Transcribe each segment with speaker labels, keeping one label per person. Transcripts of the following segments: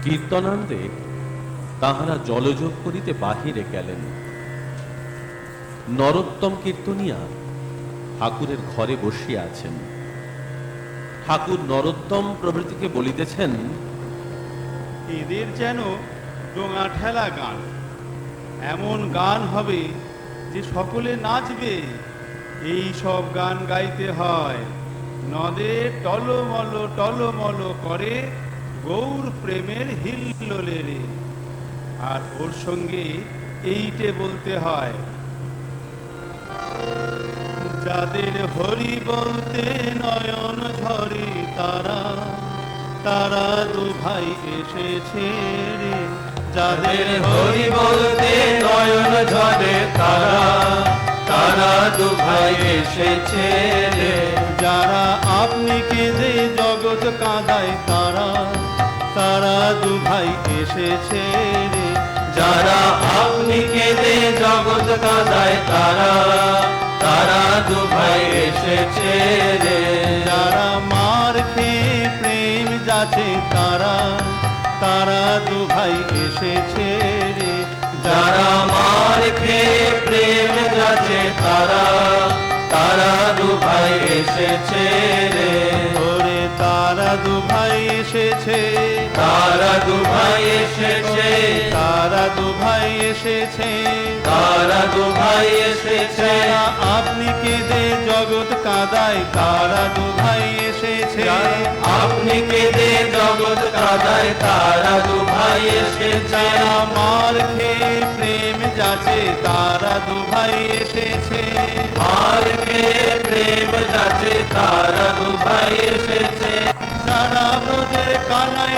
Speaker 1: কীর্তনান্দে তাহারা জলযোগ করিতে বাহিরে গেলেন। নরোত্তম কীর্তনিয়া ঠাকুরের ঘরে বসিয়া আছেন। ঠাকুর নরোত্তম প্রভৃতিকে বলিতেছেন,
Speaker 2: এদের যেন ডোঙা ঠেলা গান, এমন গান হবে যে সকলে নাচবে। এই সব গান গাইতে হয়, নদে টলমল টলমল করে গৌর প্রেমের হিল্লোলে রে। আর ওর সঙ্গে এইটে বলতে হয়, যাদের হরি বলতে নয়ন ঝরে তারা, তারা দু ভাই এসেছে রে। যাদের হরি বলতে নয়ন ঝরে তারা, তারা দু ভাই এসেছে রে। যারা আপনি কেঁদে জগৎ কাঁদায় তারা, তারা দু ভাই এসেছে রে।
Speaker 3: যারা আপনি কেঁদে জগৎ কাঁদায় তারা, তারা দু ভাই এসেছে রে।
Speaker 2: যারা মার খেয়ে প্রেম যাচ্ছে তারা, তারা দু ভাই এসেছে রে।
Speaker 3: যারা মার খেয়ে প্রেম যাচ্ছে তারা, তারা দু ভাই এসেছে রে।
Speaker 2: ওরে তারা দু ভাই এসেছে,
Speaker 3: তারা দু ভাই এসেছে,
Speaker 2: তারা দু ভাই এসেছে,
Speaker 3: তারা দু ভাই এসেছে।
Speaker 2: আপনি কেঁদে জগৎ কাঁদায় তারা দু ভাই এসেছে।
Speaker 3: আপনি কেঁদে জগৎ কাঁদায় তারা দু ভাই এসেছে।
Speaker 2: মার খেয়ে প্রেম যাচ্ছে তারা দু ভাই এসেছে।
Speaker 3: মার খেয়ে প্রেম যাচ্ছে তারা দু ভাই এসেছে।
Speaker 2: যারা ব্রজের কানাই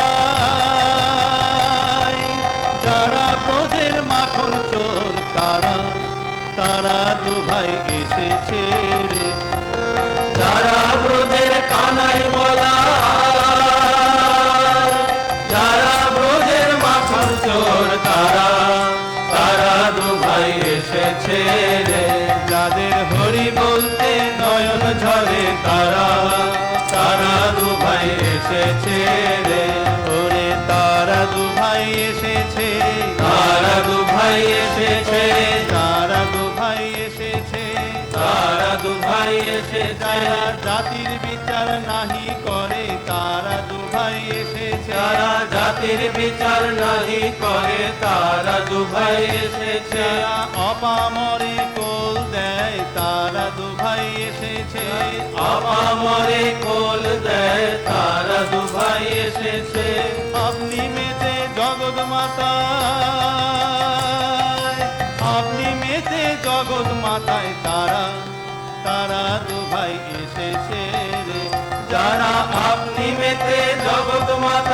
Speaker 2: বলায়, যারা ব্রজের মাখন চোর তারা, তারা দু ভাই এসেছে রে।
Speaker 3: যারা ব্রজের কানাই বলা, যারা ব্রজের মাখন চোর তারা, তারা দু ভাই এসেছে রে।
Speaker 2: যাদের হরি বলতে নয়ন ঝরে তারা,
Speaker 3: তারা দু ভাই এসেছে রে।
Speaker 2: ওরে তারা দু ভাই এসেছে,
Speaker 3: তারা দু ভাই এসেছে,
Speaker 2: তারা দু ভাই এসেছে।
Speaker 3: তারা দু ভাই এসেছে।
Speaker 2: যারা জাতির বিচার নাহি করে তারা দু ভাই এসেছে।
Speaker 3: যারা জাতির বিচার নাহি করে তারা দু ভাই এসেছে।
Speaker 2: যারা অপামরে কোল দেয় তারা দু ভাই এসেছে।
Speaker 3: অপামরে কোল দেয় তারা দু ভাই এসেছে।
Speaker 2: আপনি মেতে জগৎ মাতায়, আপনি মেতে জগৎ মাতায় তারা, তারা দু ভাই এসেছে রে।
Speaker 3: যারা আপনি মেতে জগৎ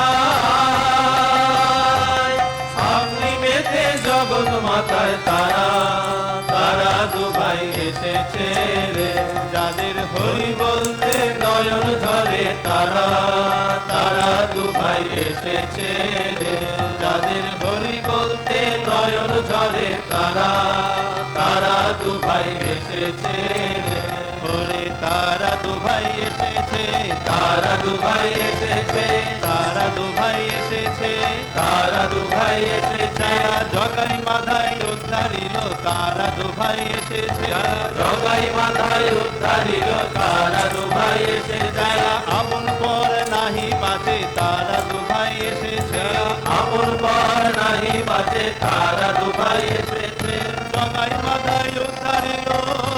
Speaker 3: মাতায়, আপনি মেতে জগৎ মাতায় তারা, তারা দু ভাই এসেছে রে।
Speaker 2: যাদের
Speaker 3: হরি বলতে নয়ন ঝরে তারা, তারা দু ভাই এসেছে রে। যাদের হরি বলতে নয়ন ঝরে তারা, তারা দু ভাই এসেছে রে।
Speaker 2: ওরে তারা দু ভাই এসেছে,
Speaker 3: তারা দু ভাই এসেছে,
Speaker 2: তারা দু ভাই এসেছে।
Speaker 3: তারা দু ভাই এসেছে।
Speaker 2: জগাই মাথায় উদ্ধারিল তারা দু ভাই এসেছে।
Speaker 3: জগাই মাথায় উদ্ধারিল তারা দু ভাই এসেছে।
Speaker 2: আপন পর নাহি বাঁচে তারা দু ভাই এসেছে।
Speaker 3: আপন পর নাহি বাঁচে তারা দু ভাই এসেছে।
Speaker 2: জগাই মাথায় উদ্ধারিল,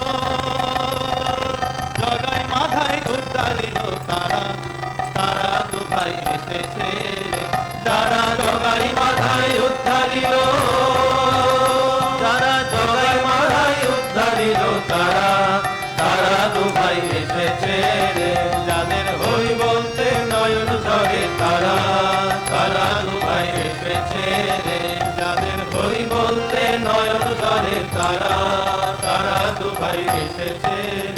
Speaker 2: জগাই মাথায় উদ্ধারিল তারা, তারা দু ভাই এসেছে।
Speaker 3: যারা জগাই মাথায় উদ্ধারিল, যারা জগাই মাথায় উদ্ধারিল তারা, তারা দু ভাই এসেছে রে। যাদের হরি বলতে নয়ন ঝরে তারা, তারা দু ভাই এসেছে রে। যাদের হরি বলতে নয়ন ঝরে তারা, তারা দু ভাই এসেছে।